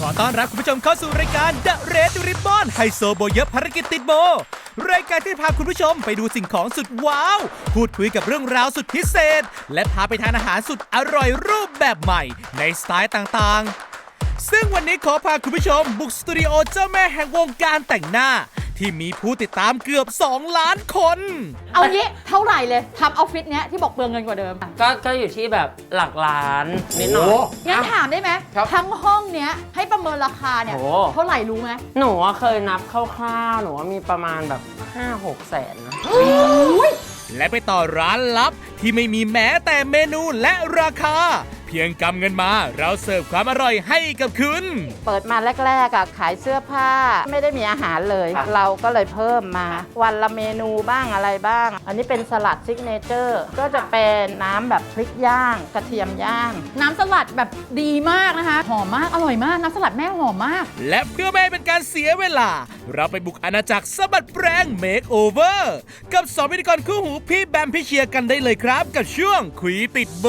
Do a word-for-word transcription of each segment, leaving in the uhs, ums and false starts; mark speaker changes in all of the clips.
Speaker 1: ขอต้อนรับคุณผู้ชมเข้าสู่รายการ The Red Ribbon ไฮโซโบเยอะภารกิจติดโบรายการที่พาคุณผู้ชมไปดูสิ่งของสุดว้าวพูดคุยกับเรื่องราวสุดพิเศษและพาไปทานอาหารสุดอร่อยรูปแบบใหม่ในสไตล์ต่างๆซึ่งวันนี้ขอพาคุณผู้ชมบุกสตูดิโอเจ้าแม่แห่งวงการแต่งหน้าที่มีผู้ติดตามเกือบสองล้านคน
Speaker 2: เอางี้เท่าไหร่เลยทำออฟฟิศเนี้ยที่บอกเปลืองเงินกว่าเดิม
Speaker 3: ก็ก็อยู่ที่แบบหลักล้านนิดหน่อย
Speaker 2: งั้นถามได้ไหมทั้งห้องเนี้ยให้ประเมินราคาเนี่ย
Speaker 3: โอ้
Speaker 2: เท่าไหร่รู้ไหม
Speaker 3: หนูว่าเคยนับคร่าวๆหนูว่ามีประมาณแบบ ห้าหก แสนนะ
Speaker 1: และไปต่อร้านลับที่ไม่มีแม้แต่เมนูและราคาเพียงกำเงินมาเราเสิร์ฟความอร่อยให้กับคุณ
Speaker 4: เปิดมาแรกๆอะขายเสื้อผ้าไม่ได้มีอาหารเลย เราก็เลยเพิ่มมาวันละเมนูบ้างอะไรบ้าง อันนี้เป็นสลัดซิกเนเจอร์ก็จะเป็นน้ำแบบพริกย่าง กระเทียมย่าง
Speaker 2: น้ำสลัดแบบดีมากนะคะหอมมากอร่อยมากน้ำสลัดแม่หอมมาก
Speaker 1: และเพื่อไม่ให้เป็นการเสียเวลาเราไปบุกอาณาจักรสะบัดแปรงเมคโอเวอร์กับสองพิธีกรคู่หูพี่แบมพี่เชียร์กันได้เลยครับกับช่วงคุยติดโบ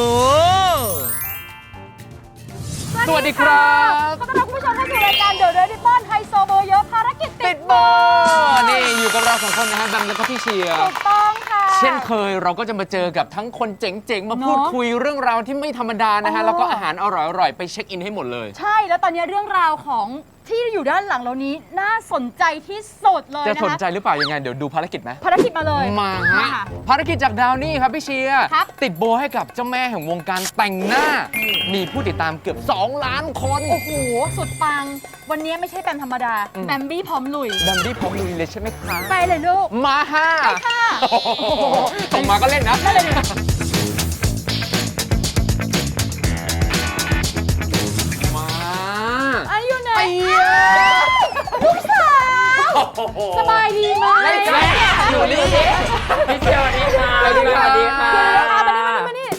Speaker 5: สวัสดีครับ
Speaker 2: ขอต้อนรับคุณผู้ชมเข้าสู่รายการ The Red Ribbon ไฮโซโบเยอะภารกิจติดโบ
Speaker 5: นี่อยู่กับเราสองคนนะฮะแบมแล้วก็พี่เชียร์
Speaker 2: ถูกต้องค่ะ
Speaker 5: เช่นเคยเราก็จะมาเจอกับทั้งคนเจ๋งๆ มาพูด
Speaker 2: เนอะ
Speaker 5: คุยเรื่องราวที่ไม่ธรรมดานะฮะ
Speaker 2: อ๋อ
Speaker 5: แล้วก็อาหารอร่อยๆ ไปเช็คอินให้หมดเลย
Speaker 2: ใช่แล้วตอนนี้เรื่องราวของที่อยู่ด้านหลังเรานี้น่าสนใจที่สุดเลย
Speaker 5: จะ
Speaker 2: นะ
Speaker 5: สน
Speaker 2: คะ
Speaker 5: ใจหรือเปล่ายังไง เดี๋ยวดูภารกิจไหม
Speaker 2: ภารกิจมาเลย
Speaker 5: มาฮะ
Speaker 2: ค่ะ
Speaker 5: ภารกิจจากดาวนี่ครับพี่เชียร์
Speaker 2: ครับ
Speaker 5: ติดโบให้กับเจ้าแม่แห่งวงการแต่งหน้า มีผู้ติดตามเกือบสองล้านคน
Speaker 2: โอ้โห สุดปัง วันนี้ไม่ใช่แบมธรรมดา
Speaker 5: อืม
Speaker 2: แบมบี้พร้อมลุย
Speaker 5: แบมบี้พร้อมลุยเลยใช่ไหมคะ
Speaker 2: ไปเลยลูก
Speaker 5: มาฮ่า
Speaker 2: ค่ะ
Speaker 5: โอ้โหส่งมาก็เล่นนะ
Speaker 2: ได้เลยนะ
Speaker 5: มา
Speaker 2: อายุไหน
Speaker 5: ไอ้เหี้ย
Speaker 2: ลูกสาวสบายดีไหม
Speaker 3: ไม่ใช่อยู่นี่พี่เชียร์สวัสดีค่ะ
Speaker 5: สวัสดีค่ะ
Speaker 3: สวัสดีค่ะ
Speaker 2: มานี่มานี่มานี่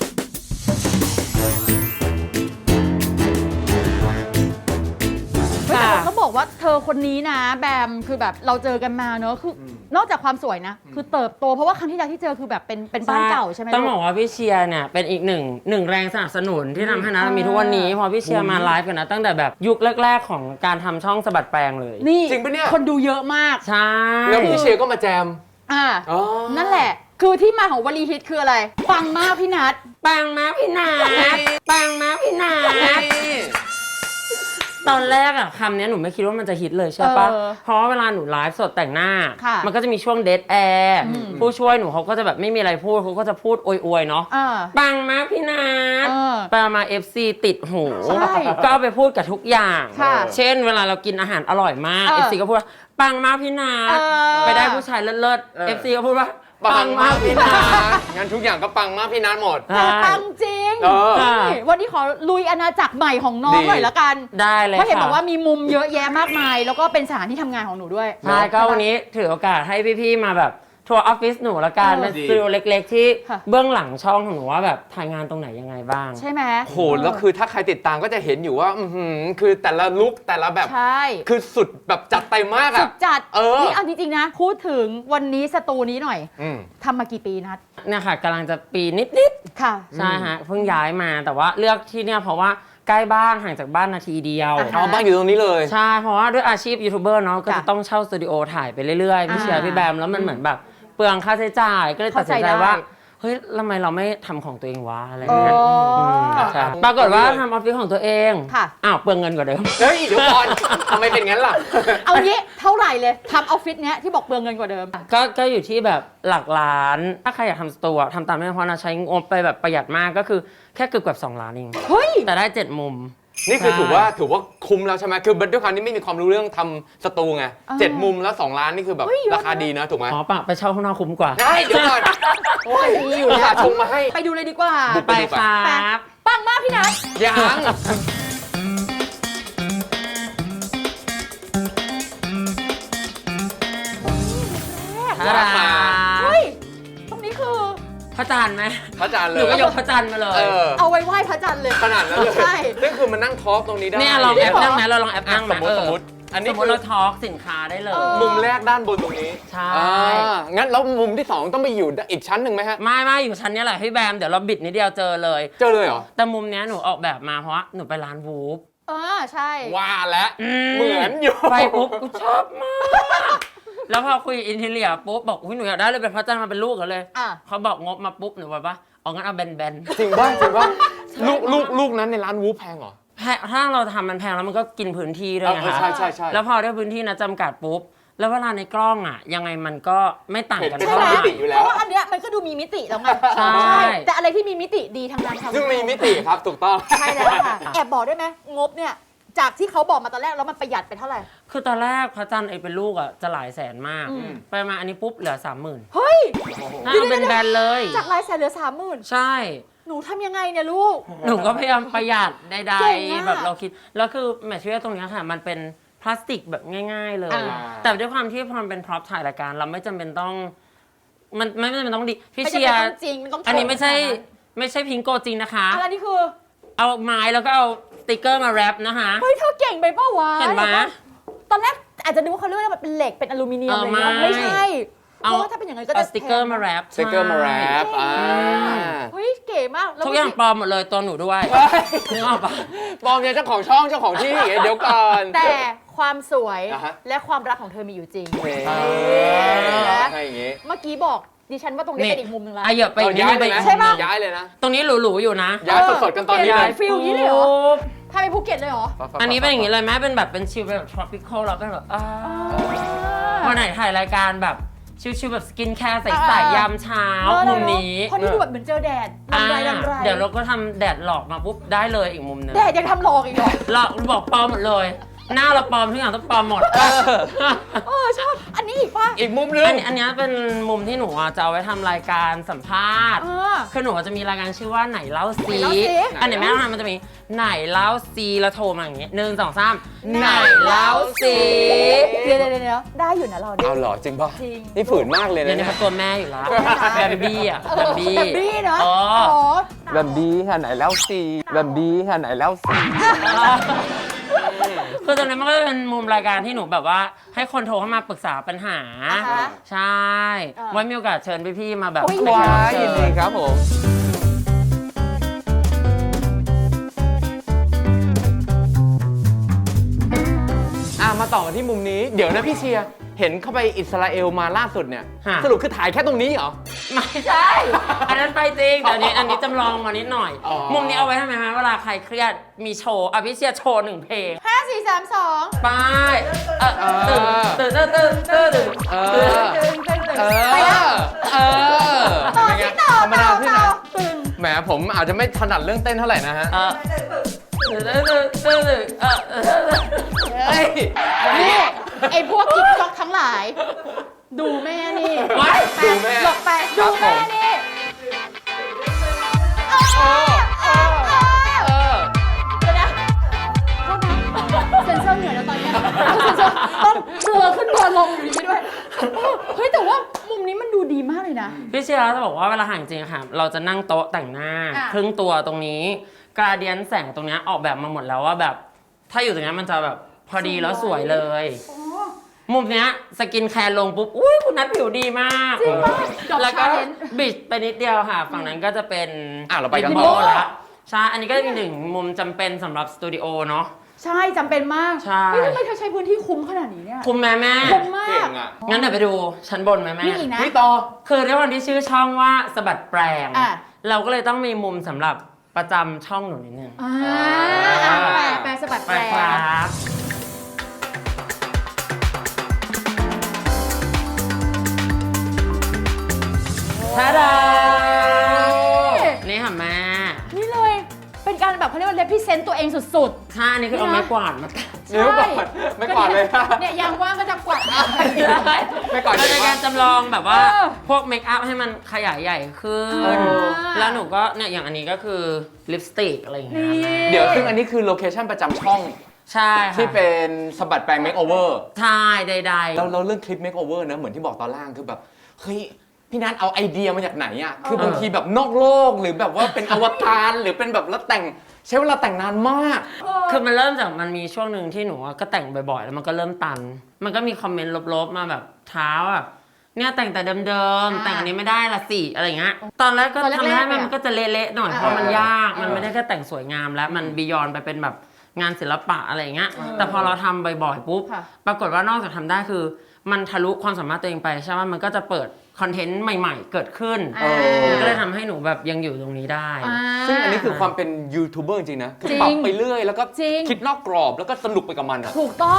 Speaker 2: เฮ้ยแต่ต้องบอกว่าเธอคนนี้นะแบมคือแบบเราเจอกันมาเนอะคือนอกจากความสวยนะ คือเติบโตเพราะว่าครั้งที่แล้วที่เจอคือแบบเป็นเป็นบ้านเก่าใช่ไหม
Speaker 3: ต้องบ
Speaker 2: ลู
Speaker 3: อก
Speaker 2: ก
Speaker 3: ว่าพี่เชียร์เนี่ยเป็นอีกหนึ่งหนึ่งแรงสนับสนุนที่ทำให้นัทมีทุกวันนี้เพอพี่เชียร์มาไลฟ์กันนะตั้งแต่แบบยุคแรกๆของการทำช่องสะบัดแปลงเลย
Speaker 2: นี่
Speaker 5: จริงปะเนี่ย
Speaker 2: คนดูเยอะมาก
Speaker 3: ใช่
Speaker 5: แล้วพี่เชียร์ก็มาแจม
Speaker 2: อ่า
Speaker 5: อ๋อ
Speaker 2: นั่นแหละ คือที่มาของวลีฮิตคืออะไร ปังมากพี่นัท
Speaker 3: ปังมาพี่นาปังมาพี่นาตอนแรกอะคำนี้หนูไม่คิดว่ามันจะฮิตเลยใช่ปะ
Speaker 2: เออ
Speaker 3: เพราะว่าเวลาหนูไลฟ์สดแต่งหน้า
Speaker 2: ค่ะ
Speaker 3: มันก็จะมีช่วงเดทแอร์ผู้ช่วยหนูเขาก็จะแบบไม่มีอะไรพูดเขาก็จะพูดอวยๆเนาะ
Speaker 2: อ่า
Speaker 3: ปังมากพี่นาท
Speaker 2: เออ
Speaker 3: ไปมา เอฟ ซี ติดหู
Speaker 2: ใช่
Speaker 3: ก็เอาไปพูดกับทุกอย่าง
Speaker 2: ค่ะ
Speaker 3: เช่น เวลาเรากินอาหารอร่อยมาก
Speaker 2: เออ
Speaker 3: เอฟ ซี ก็พูดว่าปังมากพี่นาท
Speaker 2: เออ
Speaker 3: ไปได้ผู้ชายเลิศๆ เอฟ ซี ก็พูดว่า
Speaker 5: ปังมากพี่นัทงั้นทุกอย่างก็ปังมากพี่นัทหมด
Speaker 2: แต่ปังจริง
Speaker 5: เออ
Speaker 2: นี่วันนี้ขอลุยอาณาจักรใหม่ของน้อง
Speaker 5: ดี
Speaker 2: หน่อยละกัน
Speaker 3: ได้เลย
Speaker 2: เพราะเห็น
Speaker 3: ค่ะ
Speaker 2: บอกว่ามีมุมเยอะแยะมากมาย แล้วก็เป็นสถานที่ทำงานของหนูด้วย
Speaker 3: ใช่ก็วันนี้ถือโอกาสให้พี่ๆมาแบบทัวร์ออฟฟิศหนูละกัน
Speaker 2: เออ
Speaker 3: เป็นสตูดิโอเล็กๆ ที่
Speaker 2: ค่ะ
Speaker 3: เบื้องหลังช่องของหนูว่าแบบถ่ายงานตรงไหนยังไงบ้าง
Speaker 2: ใช่ไหม
Speaker 5: โหแล้วคือถ้าใครติดตามก็จะเห็นอยู่ว่า อือหือคือแต่ละลุคแต่ละแบบ
Speaker 2: ใช่
Speaker 5: คือสุดแบบจัดเต็มมาก
Speaker 2: สุ
Speaker 5: อะ
Speaker 2: ดจัด
Speaker 5: เออ
Speaker 2: นี่เอาจริงๆนะ พูดถึงวันนี้สตูนี้หน่อย
Speaker 5: อืม
Speaker 2: ทำมากี่ปีนัด
Speaker 3: เนี่ยค่ะกำลังจะปีนิด
Speaker 2: ค่ะ
Speaker 3: ๆ ใช่ฮะเพิ่งย้ายมาแต่ว่าเลือกที่เนี่ยเพราะว่าใกล้บ้านห่างจากบ้านนาทีเดียว
Speaker 2: อ่าฮะ
Speaker 5: เอาบ้านอยู่ตรงนี้เลย
Speaker 3: ใช่ เพราะว่าด้วยอาชีพยูทูบเบอร์เนาะก็
Speaker 2: จ้ะ
Speaker 3: จะต้องเช่าสตูดิโอถ่ายไปเรื่อยๆพี่เชีย
Speaker 2: อ่า
Speaker 3: ร์พี่แบมแล้วมันเหมือนแบบเปลืองค่าใช้จ่าย ก็เลยตัดสินใจ
Speaker 2: เข้าใจได้
Speaker 3: ว่า เฮ้ยทำไมเราไม่ทำของตัวเองวะอะไรเงี้ย
Speaker 2: อ๋ออื
Speaker 3: มใช่ปรากฏว่าทำออฟฟิศของตัวเอง
Speaker 2: ค่ะ
Speaker 3: อ้าวเปลืองเงินกว่าเดิม
Speaker 5: เฮ้ยเดี๋ยวก่อนทำไมเป็นงั้นล่ะ
Speaker 2: เอางี้เท่าไหร่เลยทำออฟฟิศเนี้ยที่บอกเปลืองเงินกว่าเดิม
Speaker 3: ก็ก็อยู่ที่แบบหลักล้าน ถ้าใครอยากทำสตูอะทำตามไม่เพราะนะใช้งบไปแบบประหยัดมากก็คือแค่เกือบเกือบสองล้านเอง
Speaker 2: เฮ้ย
Speaker 3: แต่ได้เจ็ดมุม
Speaker 5: นี่คือ
Speaker 3: ใช่
Speaker 5: ถือว่าถือว่าคุ้มแล้วใช่ไหมคือด้วยความที่ไม่มีความรู้เรื่องทำสตูไง
Speaker 2: อ่า
Speaker 5: เจ็ดมุมแล้วสองล้านนี่คือแบบ
Speaker 2: เฮ้ยเยอะ
Speaker 5: ราคาดีนะถูกไหม
Speaker 3: อ๋อปะไปเช่าข้างนอกคุ้มกว่า
Speaker 5: ใช่เดี๋ยวก่อนโอ้ย
Speaker 2: มีอยู่แล้ว
Speaker 5: อุตส่าห์ชงมาให้
Speaker 2: ไปดูเลยดีกว่า
Speaker 5: บุก
Speaker 3: ไปครับ
Speaker 2: ปังมากพี่นัท
Speaker 5: ยัง
Speaker 3: ทารา
Speaker 2: เฮ้ย ตรงนี้คือ
Speaker 3: พระจันทร์ไหม
Speaker 5: พระอาจารย์เล
Speaker 3: ห
Speaker 5: ย
Speaker 3: นูก็ยกพระจันทร์มาเลย
Speaker 5: เออ
Speaker 2: เอาไว้ไหว้พระจันทร์เลย
Speaker 5: ขนาดนั้นเลย
Speaker 2: ใช่
Speaker 5: นี่คือมันนั่งทอล์กตรงนี้ได้
Speaker 3: เนี่ยลองแอปนั่งไหมเราลองแอป
Speaker 5: อ่ะ
Speaker 3: นั่ง
Speaker 5: ส
Speaker 3: ไห
Speaker 5: มมติ
Speaker 3: เออ
Speaker 5: สมมติอัน
Speaker 3: ส
Speaker 5: นี้
Speaker 3: มม
Speaker 5: คื
Speaker 3: ติ
Speaker 5: อ
Speaker 3: เราทอล์กสินค้าได้เลย
Speaker 2: เออ
Speaker 5: มุมแรกด้านบนตรงนี้
Speaker 3: ใช่
Speaker 5: อ่างั้นแล้วมุมที่สองต้องไปอยู่อีกชั้นหนึ่งไหมฮะ
Speaker 3: ไม่ไม่อยู่ชั้นเนี้ยแหละพี่แบมเดี๋ยวเราบิดนิดเดียวเจอเลย
Speaker 5: เจอเลยเหรอ
Speaker 3: แต่มุมเนี้ยหนูออกแบบมาเพราะว่าหนูไปร้านวูฟ
Speaker 2: เออใช่
Speaker 5: ว่าแล้วเหมือนอยู่
Speaker 3: ไปปุ๊บกูชอบมาก แล้วพอคุยอินทีเรียปุ๊บบอกอุ้ยหนูอยากได้เลยเป็นพระจันทร์มาเป็นลูกกันเลย
Speaker 2: อ่ะ
Speaker 3: เขาบอกงบมาปุ๊บหนูบอกว่าเอางั้นเอาแบนๆ
Speaker 5: จริงป่ะจริงป่ะลูกลูกลูกนั้นในร้านวูฟแพงเหรอ
Speaker 3: แพงถ้าเราทำมันแพงแล้วมันก็กินพื้นที่ด้วย
Speaker 5: เออ
Speaker 3: นะ
Speaker 5: เออ
Speaker 3: คะ
Speaker 5: ใช่ใช่ใช่
Speaker 3: แล้วพอได้พื้นที่นะจำกัดปุ๊บ แล้วเวลาในกล้องอ่ะ ยังไงมันก็ไม่ต่างกัน
Speaker 5: เห็น
Speaker 2: ใช่
Speaker 3: เท่า
Speaker 2: ไหม
Speaker 3: ไหร่
Speaker 5: มิติอยู่แล้ว
Speaker 2: เพราะว่าอันเนี้ยมันก็ดูมีมิติแล้วไง
Speaker 3: ใช่
Speaker 2: แต่อะไรที่มีมิติดีทางนั้นค่ะ
Speaker 5: ซึ่งมีมิติครับถูกต้อง
Speaker 2: ใช่แล้วค่ะแอบบอกได้ไหมงบเนี่ยจากที่เขาบอกมาตอนแรกแล้วมันประหยัดไปเท่าไหร่
Speaker 3: คือตอนแรกพระจันทร์ไอเป็นลูกอ่ะจะหลายแสนมาก
Speaker 2: อืม
Speaker 3: ไปมาอันนี้ปุ๊บเหลือสามหมื่น
Speaker 2: เฮ้ย
Speaker 3: น่าเอาเป็นแบนๆเลย
Speaker 2: จากรายแสนเหลือสามหมื่น
Speaker 3: ใช่
Speaker 2: หนูทำยังไงเนี่ยลูก
Speaker 3: หนูก็พยายามประหยัดใด
Speaker 2: เก่งอะ
Speaker 3: ๆแบบเราคิด แล้วคือแมทเทียลตรงเนี้ยค่ะ มันเป็นพลาสติกแบบง่าย ๆ เลย
Speaker 2: อ่า
Speaker 3: แต่ด้วยความที่พอมันเป็นพร็อพถ่ายรายการ เราไม่จำเป็นต้อง มันไม่จำเป็นต้องดีพี่
Speaker 2: ไม่
Speaker 3: เชี
Speaker 2: จำ
Speaker 3: ย
Speaker 2: เป็น
Speaker 3: ร์
Speaker 2: ต้องจริงมันต้อง
Speaker 3: อันนี้ไม่ใช่
Speaker 2: ขนาดนั้น
Speaker 3: ไม่ใช่พิงโกจริงนะคะ
Speaker 2: อะไรนี่คือ
Speaker 3: เอาไม้แล้วก็เอาสติกเกอร์มาแรปนะคะ
Speaker 2: เฮ้ยเธอเก่งไปเปล่าวะ
Speaker 3: เห็นไหม
Speaker 2: ตอนแรกอาจจะนึกว่าเขาเรียกว่ามันเป็นเหล็กเป็นอลูมิเนียม
Speaker 3: เออ
Speaker 2: อะไรเงี้ย
Speaker 3: ไม่
Speaker 2: ไม่ใช่เพ
Speaker 3: เอา
Speaker 2: ราะว่าถ้าเป็นอย่างนั้นก็
Speaker 3: เอา
Speaker 2: จะ
Speaker 3: สติกเกอร์มาแรป
Speaker 5: สติกเกอร์มาแรปอ่า
Speaker 2: เฮ้ยเก๋มากแล้ว
Speaker 3: ทุกอย่างปลอมหมดเลยตัวหนูด้วยนึกออกปะ
Speaker 5: ปลอมเนี่ยเจ้าของช่องเจ้าของที่เดี๋ยวก่อน
Speaker 2: แต่ความสวย
Speaker 5: อ่าฮะ
Speaker 2: และความรักของเธอมีอยู่จริง
Speaker 5: เฮ้ย
Speaker 2: เออ
Speaker 5: ใช่อย่างงี้
Speaker 2: เมื่อกี้บอกดิฉันว่าตรงนี้เป็นอีกมุมหนึ่งละ
Speaker 3: อ่ะเหยียบไป
Speaker 5: เรา
Speaker 3: อีกนิด
Speaker 5: ย้าย
Speaker 3: นึง
Speaker 5: เล
Speaker 3: ไป
Speaker 5: ย
Speaker 3: อี
Speaker 5: นะ
Speaker 3: ก
Speaker 2: ใช่ปะ
Speaker 5: ย้ายเลยนะ
Speaker 3: ตรงนี้หรูๆอยู่นะ
Speaker 5: ย้ายสดๆกันตอนนี้
Speaker 2: เป
Speaker 5: เล
Speaker 2: ลี่
Speaker 5: ย
Speaker 2: ยนฟิลอย่างนี้เลยเหรอ
Speaker 3: ปุ๊บ
Speaker 2: พาไปภูเก็ตเลยเหรอ
Speaker 3: อันนี้เป็นอย่างนี้เลยแม่เป็นแบบเป็นชิลแบบ tropical แล้วเป็นแบบอ่าวันไหนถ่ายรายการแบบชิลๆแบบสกินแคร์ใสๆยามเช้ามุมนี้
Speaker 2: เพราะนี่ดูแบบเหมือนเจอแดด
Speaker 3: อ่า
Speaker 2: ลำไรลำไร
Speaker 3: เดี๋ยวเราก็ทำแดดหลอกมาปุ๊บได้เลยอีกมุมหนึง
Speaker 2: แดดยังทำหลอกอีกเหรอ
Speaker 3: หลอกบอกปลอมหมดเลย หน้าเราปลอมทุกอย่างต้องปลอมหมด
Speaker 2: เออชอบอันนี้อีกป่ะ
Speaker 5: อีกมุมนึง
Speaker 3: อันนี้อันนี้เป็นมุมที่หนูอ่ะจะเอาไว้ทำรายการสัมภาษณ์
Speaker 2: เออ
Speaker 3: คือหนูจะมีรายการชื่อว่าไหนเล่าซี
Speaker 2: ไหนเล่าสิ
Speaker 3: อันไหนแม่ต้องทำมันจะมีไหนเล่าซีแล้วโทรมาอย่างงี้หนึ่งสองสามไหนเล่าซี
Speaker 2: เดี๋ยวเดี๋ยวเดี๋ยวได้อยู่นะเราเนี่ย
Speaker 5: เอาเหรอจริงป่ะ
Speaker 2: จริง
Speaker 5: นี่ฝืนมากเลย
Speaker 3: เดี๋ย
Speaker 5: นะ
Speaker 3: วนี้
Speaker 5: เนี่ย
Speaker 3: เขาตัวแม่อยู่แล้วแบมบี้อ่ะ
Speaker 2: เออ
Speaker 3: แบมบี้
Speaker 2: แบบบี้เนาะ
Speaker 3: อ๋อ
Speaker 2: อ๋อ
Speaker 5: แบบบีค่ะไหนแล้วซีแบบบีค่ะไหนแล้วซี
Speaker 3: คือตอนนี้มันก็เป็นมุมรายการที่หนูแบบว่าให้คนโทรเข้ามาปรึกษาปัญหา
Speaker 2: อ่าฮะ
Speaker 3: ใช่
Speaker 2: เออ
Speaker 3: ไว้มีโอกาสเชิญพี่ๆมาแบบ
Speaker 2: โอ้ย
Speaker 5: ว้ายยินดีครับผม อ่ะมาต่อกันที่มุมนี้ เดี๋ยวนะพี่เชียร์ เห็นเข้าไปอิสราเอลมาล่าสุดเนี่ย
Speaker 3: ฮะ
Speaker 5: สรุปคือถ่ายแค่ตรงนี้เหรอ
Speaker 3: ไม่ใช่ อันนั้นไปจริงแต่อันนี้อันนี้จำลองมานิดหน่อย
Speaker 5: อ๋อ
Speaker 3: มุมนี้เอาไว้ทำไมฮะเวลาใครเครียดมีโชว์อ่ะพี่เชียร์โชว์หนึ่งเพลง
Speaker 2: ห้าสี่สามสอง
Speaker 3: ไปเออตื่นตื่นตื่นตื่นตื่นตื่น
Speaker 5: เอ
Speaker 3: ตื่น
Speaker 5: อ
Speaker 2: ตึงตึงตึง
Speaker 5: เอ
Speaker 2: ไปแล้ว
Speaker 5: อ เออ
Speaker 2: ต่อ
Speaker 5: เป็นไง
Speaker 2: ที่ต่อ
Speaker 5: ธรรมดา
Speaker 2: ต่อ
Speaker 5: ที่ไหน
Speaker 2: ต่อตึง
Speaker 5: แหมผมอาจจะไม่ถนัดเรื่องเต้นเท่าไหร่นะฮะ
Speaker 3: เออตื่นตื่นตื่นตื่นตื่นเออเออ
Speaker 5: เฮ้ย
Speaker 2: นี่ไอ้พวกกิ๊กก๊อกทั้งหลาย ดูแม่นี่
Speaker 3: ไว้
Speaker 2: ไป
Speaker 5: ดูแม่
Speaker 2: หลบไป
Speaker 5: ครั
Speaker 2: ดู
Speaker 5: บผม
Speaker 2: แม่นี่เออเออเออ
Speaker 5: เออ
Speaker 2: เดี๋ยวนะโทษนะเซ็นเซอร์เหนื่อยแล้วตอนเนี้ยต้องเซ็นเซอร์ต้องเรือขึ้นเรือลงอยู่อย่างนี้ด้วยเออเฮ้ยแต่ว่ามุมนี้มันดูดีมากเลยนะ
Speaker 3: พี่เชียร์จะบอกว่าเวลาห่างจริงอะค่ะเราจะนั่งโต๊ะแต่งหน้า
Speaker 2: อ่ะ
Speaker 3: ครึ่งตัวตรงนี้กราเดียนแสงตรงเนี้ยออกแบบมาหมดแล้วว่าแบบ ถ้าอยู่ตรงเนี้ยมันจะแบบพอดีแล้วสวยเลย มุมเนี้ยสกินแคร์ลงปุ๊บ อุ้ยคุณนัทผิวดีมาก
Speaker 2: จริงป่ะดอก
Speaker 3: แล้วก็
Speaker 2: ชาเลนจ์
Speaker 3: บิดไปนิดเดียวค่ะ ฝั่งนั้นก็จะเป็น
Speaker 5: อ่ะเราไปกัน
Speaker 3: วิ
Speaker 5: ต่
Speaker 3: ดี
Speaker 5: อ
Speaker 3: โอละใช่ อันนี้ก็เป็นหนึ่งมุมจำเป็นสำหรับสตูดิโอเนาะ
Speaker 2: ใช่จำเป็นมาก
Speaker 3: ใช่
Speaker 2: เฮ้ยทำไมเธอใช้พื้นที่คุ้มขนาดนี้เนี่ย
Speaker 3: คุ้มแม่แม่
Speaker 2: คุ้มมา
Speaker 5: เก่
Speaker 2: ก
Speaker 5: งอ่ะ
Speaker 3: งั้นเดี๋ยวไปดูชั้นบนไหมแม่
Speaker 2: มีอีกนะ
Speaker 5: นี่ต่อ
Speaker 3: คือด้วยความที่ชื่อช่องว่าสะบัดแปลง
Speaker 2: อ่ะ
Speaker 3: เราก็เลยต้องมีมุมสำหรับประจำช่องหนูนิดนึง
Speaker 2: อ่าอ่ะแปลแปลสะบัด
Speaker 3: ไป
Speaker 2: แปล
Speaker 3: ครับทาดานี่ค่ะแม่
Speaker 2: นี่เลย เป็นการแบบเขาเรียกว่า represent ตัวเองสุด
Speaker 3: ถ้าอันนี้คือเอาไม้กวาดมาตัด
Speaker 2: ๆ
Speaker 5: เดี๋ยวก่อนไม่กวาดเลย
Speaker 2: เนี่ยยางว่างก็จะกวาด
Speaker 5: ไม่กวาด
Speaker 3: เราในการจำลองแบบว่า
Speaker 2: เออ
Speaker 3: พวกเมคอัพให้มันขยายใหญ่ขึ้น
Speaker 2: อ่า
Speaker 3: แล้วหนูก็เนี่ยอย่างอันนี้ก็คือลิปสติกอะไรอย่างเงี้ย
Speaker 2: นี่
Speaker 3: แม่
Speaker 5: เดี๋ยวซึ่งอันนี้คือโลเคชั่นประจำช่อง
Speaker 3: ใช่ค่ะ
Speaker 5: ที่เป็นสะบัดแปลงเมคโอเวอร์
Speaker 3: ใช่ใด
Speaker 5: แล้วเราเรื่องคลิปเมคโอเวอร์นะเหมือนที่บอกตอนล่างคือแบบเฮ้ยพี่นัทเอาไอเดียมาจากไหนอ่ะคือบางทีแบบนอกโลกหรือแบบว่าเป็นอวตารหรือเป็นแบบแล้วแต่งใช้เวลาแต่งนานมาก
Speaker 3: ๆคือมันเริ่มจากมันมีช่วงหนึ่งที่หนูก็แต่งบ่อยๆ แล้วมันก็เริ่มตัน มันก็มีคอมเมนต์ลบๆมาแบบเท้าอ่ะเนี่ยแต่งแต่เดิมๆ แต่งอันนี้ไม่ได้ละสิอะไรอย่างเงี้ยตอนแรกก็
Speaker 2: ตอนแรกๆ
Speaker 3: ทำได้
Speaker 2: เนี่ย
Speaker 3: มันก็จะเละๆหน่อย
Speaker 2: อ่า
Speaker 3: เพราะมันยากมันไม่ได้แค่แต่งสวยงามแล้วมันบียอนไปเป็นแบบงานศิลปะอะไรเงี้ยแต่พอเราทำบ่อยๆปุ๊บ
Speaker 2: ค่ะ
Speaker 3: ปรากฏว่านอกจากทำได้คือ มันทะลุความสามารถตัวเองไปใช่ไหมมันก็จะเปิดคอนเทนต์ใหม่ๆ เกิดขึ้น
Speaker 2: อ่า
Speaker 3: มันก็เลยทำให้หนูแบบยังอยู่ตรงนี้ได้
Speaker 2: อ่า
Speaker 5: ซึ่งอันนี้คือความเป็นยูทูบเบอร์จริงนะคือ
Speaker 2: จริง
Speaker 5: ปรับไปเรื่อยแล้วก็
Speaker 2: จริง
Speaker 5: คิดนอกกรอบแล้วก็สนุกไปกับมันอะ
Speaker 2: ถูกต้อง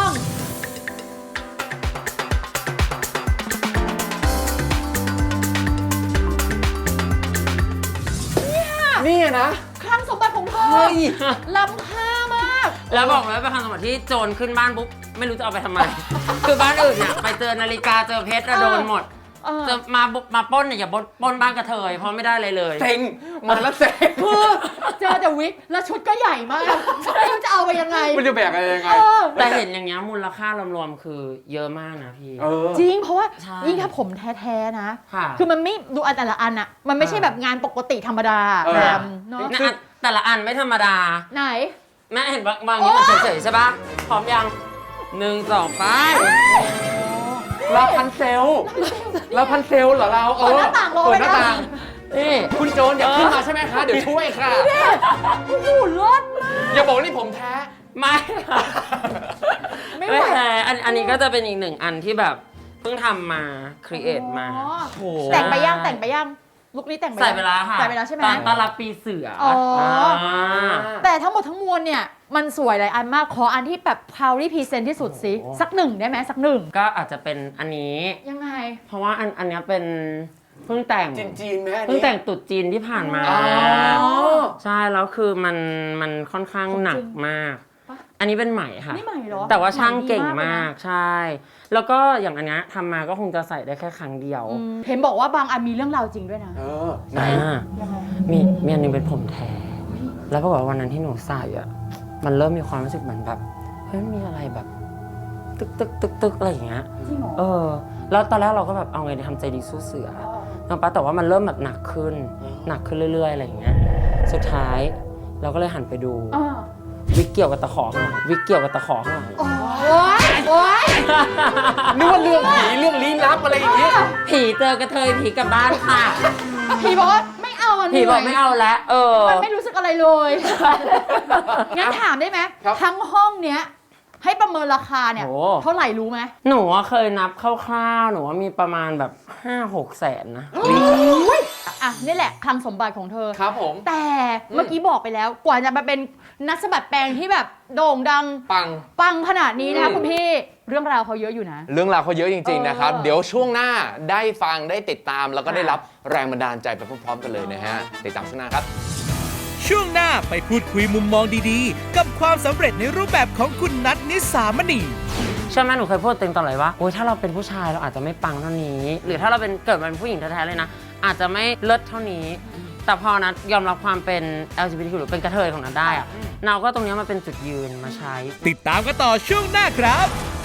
Speaker 5: นี่นะ
Speaker 2: คลังสมบัติของเธอ
Speaker 5: เฮ้ย
Speaker 2: ล้ำค่ามาก
Speaker 3: แล้วบอกเลยว่าเป็นคำสมบัติที่โจรขึ้นบ้านปุ๊บไม่รู้จะเอาไปทำไม คือบ้านอื่นเนี่ยไปเจอนาฬิกาเจอเพชรอะโดนหมด
Speaker 2: เออ
Speaker 3: จะมาบุกมาปล้นเนี่ยอย่าปล้นปล้นบ้านกระเทยเพราะไม่ได้เลยเลย
Speaker 5: เซ็งมาแล้วเซ็ง
Speaker 2: คือเจอแต่วิกแล้วชุดก็ใหญ่มากไม่รู้จะเอาไปยังไง
Speaker 5: มันจะแบกอะไรยังไง
Speaker 2: เออ
Speaker 3: แต่เห็นอย่างเงี้ยมูลค่ารวมๆคือเยอะมากนะพี่
Speaker 5: เออ
Speaker 2: จริงเพราะว่า
Speaker 3: ใช่
Speaker 2: ยิ่งถ้าผมแท้ๆนะ
Speaker 3: ค่ะ
Speaker 2: คือมันไม่ดูอันแต่ละอันอะมันไม่ใช่แบบงานปกติธรรมดา
Speaker 5: เออ
Speaker 2: แบบเนาะ
Speaker 3: นะอันแต่ละอันไม่ธรรมดา
Speaker 2: ไหน
Speaker 3: แม่เห็นบางบางนี้มันเฉยๆใช่ปะพร้อมยังหนึ่งสองไป
Speaker 5: เราพันเซลเราพันเซลเหรอเราเออ
Speaker 2: เปิดหน้าต่างรอ
Speaker 5: เปิ
Speaker 2: ไว้
Speaker 5: ดหน้า
Speaker 2: นะ
Speaker 5: ต่าง
Speaker 3: นี่
Speaker 5: คุณโจรอย่าขึ้นมาใช่ไหมคะเดี๋ยวช่วยค่ะ
Speaker 2: โอ้โหรถมาก
Speaker 5: อย่าบอกว่านี่ผมแท้
Speaker 3: ไม่ค่ะ
Speaker 2: ไม่ไหว
Speaker 3: ไม่แพ้อันอันนี้ก็จะเป็นอีกหนึ่งอันที่แบบเพิ่งทำมาครีเอทมา
Speaker 2: อ๋อ
Speaker 5: โอ้โห
Speaker 2: แต่งไปย่างแต่งไปย่างลุคนี้แต่งไป
Speaker 3: ใส่
Speaker 2: ยัง
Speaker 3: ไปแล้วค่ะ
Speaker 2: ใส่ไปแล้วใช่ไหม
Speaker 3: ตอนต้อนรับปีเสือ
Speaker 2: อ๋ออ่
Speaker 3: า
Speaker 2: แต่ทั้งหมดทั้งมวลเนี่ย มันสวยหลายอันมาก ขออันที่แบบ proudly present ที่สุดสิ สักหนึ่งได้ไหมสักหนึ่ง
Speaker 3: ก็อาจจะเป็นอันนี้
Speaker 2: ยังไง
Speaker 3: เพราะว่าอันอันเนี้ยเป็นเพิ่งแต่ง
Speaker 5: จีนจีนๆไหมอัน
Speaker 3: เพิ่ง
Speaker 5: นี้
Speaker 3: แต่งตรุดจีนที่ผ่านมา
Speaker 5: อ๋อ
Speaker 3: ใช่แล้วคือมันมันค่อนข้างหนักมาก
Speaker 2: ปะ
Speaker 3: อันนี้เป็นใหม่ค่ะ
Speaker 2: นี่ใหม่เหรอ
Speaker 3: แต่ว่าช่างเก่ง
Speaker 2: ใหดี
Speaker 3: มาก
Speaker 2: เลยนะ
Speaker 3: ใช่ แล้วก็อย่างอันเนี้ยทำมาก็คงจะใส่ได้แค่ครั้งเดียว
Speaker 2: อืมเห็นบอกว่าบางอันมีเรื่องราวจริงด้วยนะ
Speaker 5: เออไหน
Speaker 3: อ่า
Speaker 2: ยังไง
Speaker 3: มีมีอันหนึงเป็นผมแท้ แล้วก็บอกว่าวันนั้นที่หนูใส่อ่ะ มันเริ่มมีความรู้สึกเหมือนแบบเฮ้ยมันมีอะไรแบบ ตึกตึกตึกตึกอะไรอย่างเงี้ย
Speaker 2: จริงเหรอ
Speaker 3: เออ แล้วตอนแรกเราก็แบบเอาไงดีทำใจดีสู้เสือนะปะแต่ว่ามันเริ่มแบบหนักขึ้น หนักขึ้นเรื่อยๆอะไรอย่างเงี้ย สุดท้ายเราก็เลยหันไปดู
Speaker 2: อ่า
Speaker 3: วิกเกี่ยวกับตะขอข้างหลังวิกเกี่ยวกับตะขอข้างหลัง
Speaker 2: โอ๊ยโอ๊ย
Speaker 5: นึกว่าเรื่องผีเรื่องลี้ลับอะไรอย่างเงี้ย
Speaker 3: ผีเจอกระเทยผีกลับบ้านค่ะ
Speaker 2: ผีบอกว่าไม่เอาอัน
Speaker 3: ผีบอกไม่เอาแล้วเออ
Speaker 2: มันไม่รู้สึกอะไรเลย งั้นถามได้ไหม
Speaker 5: ครับ
Speaker 2: ทั้งห้องเนี้ย ให้ประเมินราคาเนี่ย
Speaker 3: โอ้
Speaker 2: เท่าไหร่รู้ไหม
Speaker 3: หนูอะเคยนับคร่าวๆ หนูว่ามีประมาณแบบ ห้าหกแสนนะ
Speaker 2: อ่ะนี่แหละคลังสมบัติของเธอ
Speaker 5: ครับผม
Speaker 2: แต่เมื่อกี้บอกไปแล้ว กว่าจะมาเป็นนักสะบัดแปลงที่แบบโด่งดัง
Speaker 5: ปัง
Speaker 2: ปังขนาดนี้นะคะ
Speaker 5: อืม
Speaker 2: คุณพี่ เรื่องราวเขาเยอะอยู่นะ
Speaker 5: เรื่องราวเขาเยอะจริง ๆ นะครับ
Speaker 2: เออ
Speaker 5: เดี๋ยวช่วงหน้าได้ฟังได้ติดตาม แล้วก็ได้
Speaker 2: ค่ะ
Speaker 5: รับแรงบันดาลใจไปพร้อมๆกันเลยนะฮะ ติดตามช่วงหน้าครับ
Speaker 1: ช่วงหน้าไปพูดคุยมุมมองดีๆ กับความสำเร็จในรูปแบบของคุณนัทนิสามณี
Speaker 3: ใช่ไหมหนูเคยพูดเต็งตลอดเลยว่าโอ้ยถ้าเราเป็นผู้ชายเราอาจจะไม่ปังเท่านี้ หรือถ้าเราเป็นเกิดมาเป็นผู้หญิงแท้ๆเลยนะ อาจจะไม่เลิศเท่านี้ แต่พอนัดยอมรับความเป็น แอล จี บี ที คิว หรือเป็นกระเทยของนัดได้อะเราก็ตรงเนี้ยมาเป็นจุดยืนมาใช้
Speaker 1: ติดตามกันต่อช่วงหน้าครับ